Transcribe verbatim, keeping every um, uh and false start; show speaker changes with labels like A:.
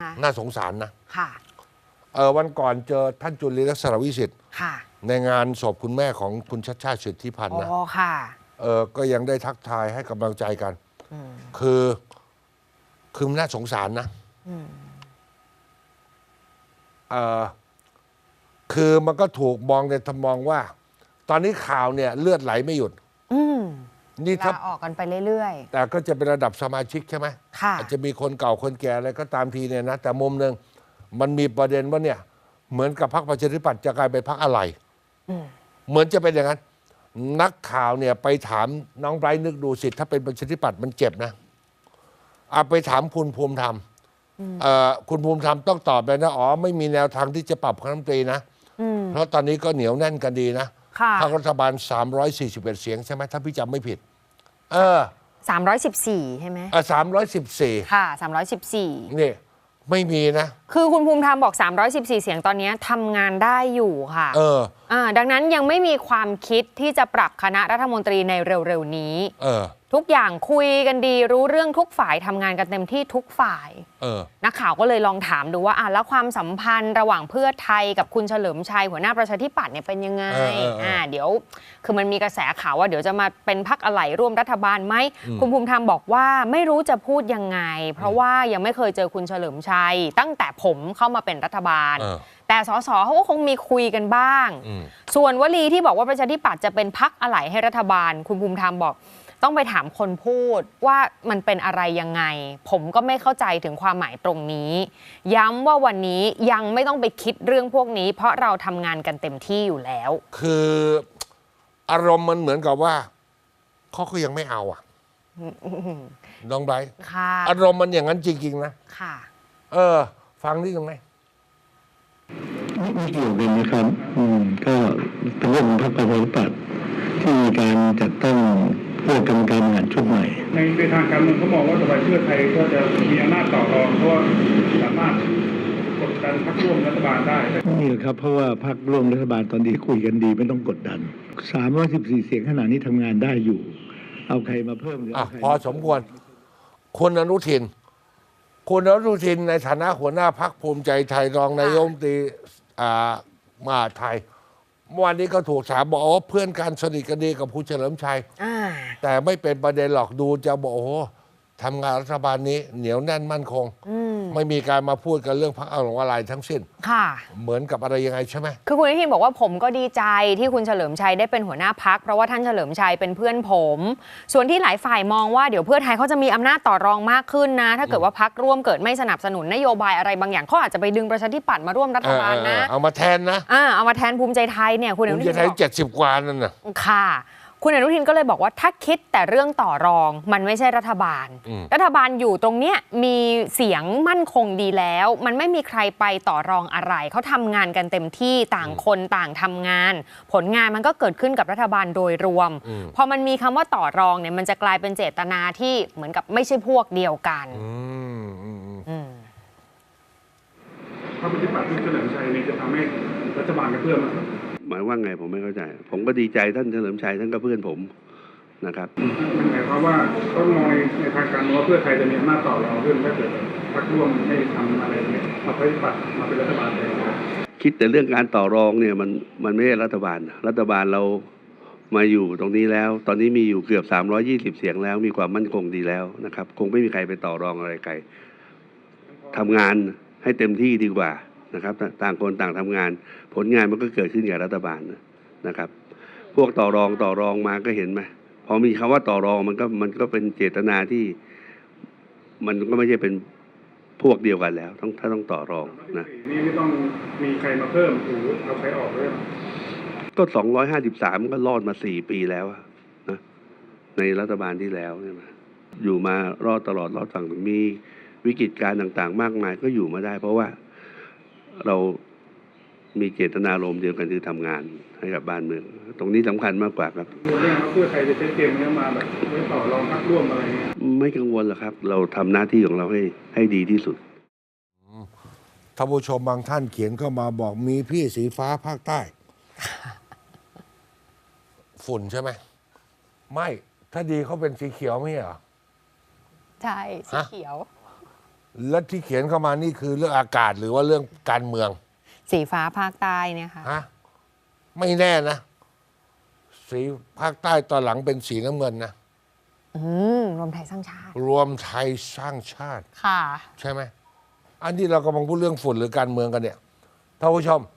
A: คะ
B: น่าสงสารนะ
A: ค่ะ
B: เออวันก่อนเจอท่านจุลินลักษณะวิสิทธิ์
A: ค่ะ
B: ในงานศพคุณแม่ของคุณชัชชาติสิทธิพันธ์นะ
A: อ๋อค่ะ
B: เออก็ยังได้ทักทายให้กำลังใจกันคือคือน่าสงสารนะเออคือมันก็ถูกมองในทำมองว่า ตอนนี้ข่าวเนี่ยเลือดไหลไม่หยุด
A: อืม
B: นี่ถ้า
A: ออกกันไปเรื่อย
B: ๆแต่ก็จะเป็นระดับสมาชิกใช่ไหม
A: ค่ะ
B: อาจจะมีคนเก่าคนแก่อะไรก็ตามทีเนี่ยนะแต่มุมหนึ่งมันมีประเด็นว่าเนี่ยเหมือนกับพรรคประชาธิปัตย์จะกลายเป็นพรรคอะไรเหมือนจะเป็นอย่างนั้นนักข่าวเนี่ยไปถามน้องไบรท์นึกดูสิถ้าเป็นประชาธิปัตย์มันเจ็บนะเอาไปถามคุณภูมิธรรมเอ่อคุณภูมิธรรมต้องตอบเลยนะอ๋อไม่มีแนวทางที่จะปรับคณะรัฐมนตรีนะเพราะตอนนี้ก็เหนียวแน่นกันดีนะพรรครัฐบาลสามร้อยสี่สิบเอ็ดเสียงใช่ไหมถ้าพี่จำไม่ผิดเออ
A: สามร้อยสิบสี่ใช่ไหม
B: อ่ะสามร้อยสิบสี่
A: ค่ะสามร้อยสิบสี่
B: นี่ไม่มีนะ
A: คือคุณภูมิธรรมบอกสามร้อยสิบสี่เสียงตอนนี้ทำงานได้อยู่ค่ะ
B: เออ
A: อ่าดังนั้นยังไม่มีความคิดที่จะปรับคณะรัฐมนตรีในเร็วๆนี้
B: เออ
A: ทุกอย่างคุยกันดีรู้เรื่องทุกฝ่ายทำงานกันเต็มที่ทุกฝ่าย
B: เออ
A: นักข่าวก็เลยลองถามดูว่าอ่ะแล้วความสัมพันธ์ระหว่างเพื่อไทยกับคุณเฉลิมชัยหัวหน้าประชาธิปัตย์เนี่ยเป็นยังไงอ่าเดี๋ยวคือมันมีกระแสข่าวว่าเดี๋ยวจะมาเป็นพรรคอะไรร่วมรัฐบาลไหมคุณภูมิธรรมบอกว่าไม่รู้จะพูดยังไงเพราะว่ายังไม่เคยเจอคุณเฉลิมชัยตั้งแต่ผมเข้ามาเป็นรัฐบาลแต่สสเขาก็คงมีคุยกันบ้างส่วนวลีที่บอกว่าประชาธิปัตย์จะเป็นพรรคอะไรให้รัฐบาลคุณภูมิธรรมบอกต้องไปถามคนพูดว่ามันเป็นอะไรยังไงผมก็ไม่เข้าใจถึงความหมายตรงนี้ย้ำว่าวันนี้ยังไม่ต้องไปคิดเรื่องพวกนี้เพราะเราทำงานกันเต็มที่อยู่แล้ว
B: คืออารมณ์มันเหมือนกับว่าเขาก็ยังไม่เอาอ่ะน้องไบรท์อารมณ์มันอย่างนั้นจริงๆนะ
A: ค่ะ
B: เออฟังนี่ตรงไหน
C: ไม่เกี่ยวกันนะครับอืมก็เป็นเรื่องของพรรคประชาธิปัตย์ที่มีการจัดตั้งเพื่อกรรมการบริหารชุดใหม่
D: ในในทางการเมืองเขามองว่าสบายเพื่อไทยก็จะมีอำนาจต่อรองเพราะว่าสามารถกดดันพรรคร่วมรัฐบาลได้
C: นี่แหละครับเพราะว่าพรรคร่วมรัฐบาลตอนนี้คุยกันดีไม่ต้องกดดันสามร้อยสิบสี่เสียงขนาดนี้ทำงานได้อยู่เอาใครมาเพิ่มหรือ
B: พอสมควรคุณอนุทินคุณอนุทินในฐานะหัวหน้าพรรคภูมิใจไทยรองนายกรัฐมนตรีมหาดไทยเมื่อวานนี้ก็ถูกถามบอกโอ้เพื่อนกันสนิทกันดีกับคุณเฉลิมชัยแต่ไม่เป็นประเด็นหรอกดูจะบอกโอ้ทำงานรัฐบาลนี้เหนียวแน่นมั่นคงไม่มีการมาพูดกันเรื่องพรรคอะไรทั้งสิ้น
A: ค่ะ
B: เหมือนกับอะไรยังไงใช่ไหม
A: คือคุณอนุทินบอกว่าผมก็ดีใจที่คุณเฉลิมชัยได้เป็นหัวหน้าพรรคเพราะว่าท่านเฉลิมชัยเป็นเพื่อนผมส่วนที่หลายฝ่ายมองว่าเดี๋ยวเพื่อไทยเขาจะมีอำนาจต่อรองมากขึ้นนะถ้าเกิดว่าพรรคร่วมเกิดไม่สนับสนุนนโยบายอะไรบางอย่างเขาอาจจะไปดึงประชาธิปัตย์มาร่วมรัฐบาลนะ
B: เอามาแทนนะ
A: อ่าเอามาแทนภูมิใจไทยเนี่ยคุณอนุทินภูมิใจ
B: ไทยเจ็ดสิบกว่านั่นน่ะ
A: ค่ะคุณอนุทินก็เลยบอกว่าถ้าคิดแต่เรื่องต่อรองมันไม่ใช่รัฐบาลรัฐบาลอยู่ตรงเนี้ยมีเสียงมั่นคงดีแล้วมันไม่มีใครไปต่อรองอะไรเขาทำงานกันเต็มที่ต่างคนต่างทำงานผลงานมันก็เกิดขึ้นกับรัฐบาลโดยรวมพอมันมีคำว่าต่อรองเนี่ยมันจะกลายเป็นเจตนาที่เหมือนกับไม่ใช่พวกเดียวกัน
D: พรรคประชาธิปัตย์ที่เฉลิมชัยนี่จะทำให้รัฐบาลกระเพื่อมมั้ย
C: หมายว่าไงผมไม่เข้าใจผมก็ดีใจท่านเฉลิมชัยท่านก็เพื่อนผมนะครับ
D: หมายความว่าเขามองในทางการเมืองว่าเพื่อไทยจะมีอำนาจต่อรองขึ้นถ้าเกิดพรรคร่วมไม่ทำอะไรเนี่ยมาปฏิบัติมาเป็นรัฐบาลเลย
C: คิดแต่เรื่องการต่อรองเนี่ยมันมันไม่ใช่รัฐบาลรัฐบาลเรามาอยู่ตรงนี้แล้วตอนนี้มีอยู่เกือบสามร้อยยี่สิบเสียงแล้วมีความมั่นคงดีแล้วนะครับคงไม่มีใครไปต่อรองอะไรใครทำงานให้เต็มที่ดีกว่านะครับต่างคนต่างทำงานผลงานมันก็เกิดขึ้นกับรัฐบาลนะครับพวกต่อรองต่อรองมาก็เห็นไหมพอมีคำว่าต่อรองมันก็มันก็เป็นเจตนาที่มันก็ไม่ใช่เป็นพวกเดียวกันแล้วต้องถ้าต้องต่อรองนะ
D: นี่ไม่ต้องมีใครมาเพิ่มหรือเอาใครออกด้วย
C: ก็สองร้อยห้าสิบสามก็รอดมาสี่ปีแล้วนะในรัฐบาลที่แล้วใช่ไหมอยู่มารอดตลอดรอดฝั่งมีวิกฤตการณ์ต่างๆมากมายก็อยู่มาได้เพราะว่าเรามีเจตนารมณ์เดียวกันคือทำงานให้กับบ้านเมืองตรงนี้สำคัญมากกว่าครับ
D: เรื่องเพื่อใครจะใช้เกมนี้มาแบบไม่ต่อรองพรรคร่วมอะไรเงี้ย
C: ไม่กังวลหรอกครับเราทำหน้าที่ของเราให้ให้ดีที่สุด
B: ท่านผู้ชมบางท่านเขียนเข้ามาบอกมีพี่สีฟ้าภาคใต้ฝุ่นใช่ไหมไม่ถ้าดีเขาเป็นสีเขียวไม่เหรอ
A: ใช่สีเขียว
B: และที่เขียนเข้ามานี่คือเรื่องอากาศหรือว่าเรื่องการเมือง
A: สีฟ้าภาคใต้เนี่ยค่ะ
B: ฮะไม่แน่นะ สีภาคใต้ตอนหลังเป็นสีน้ำเงินนะ
A: อืมรวมไทยสร้างชาติ
B: รวมไทยสร้างชาติ
A: ค่ะ
B: ใช่ไหม อันนี้เรากำลังพูดเรื่องฝุ่นหรือการเมืองกันเนี่ยท่านผู้ชม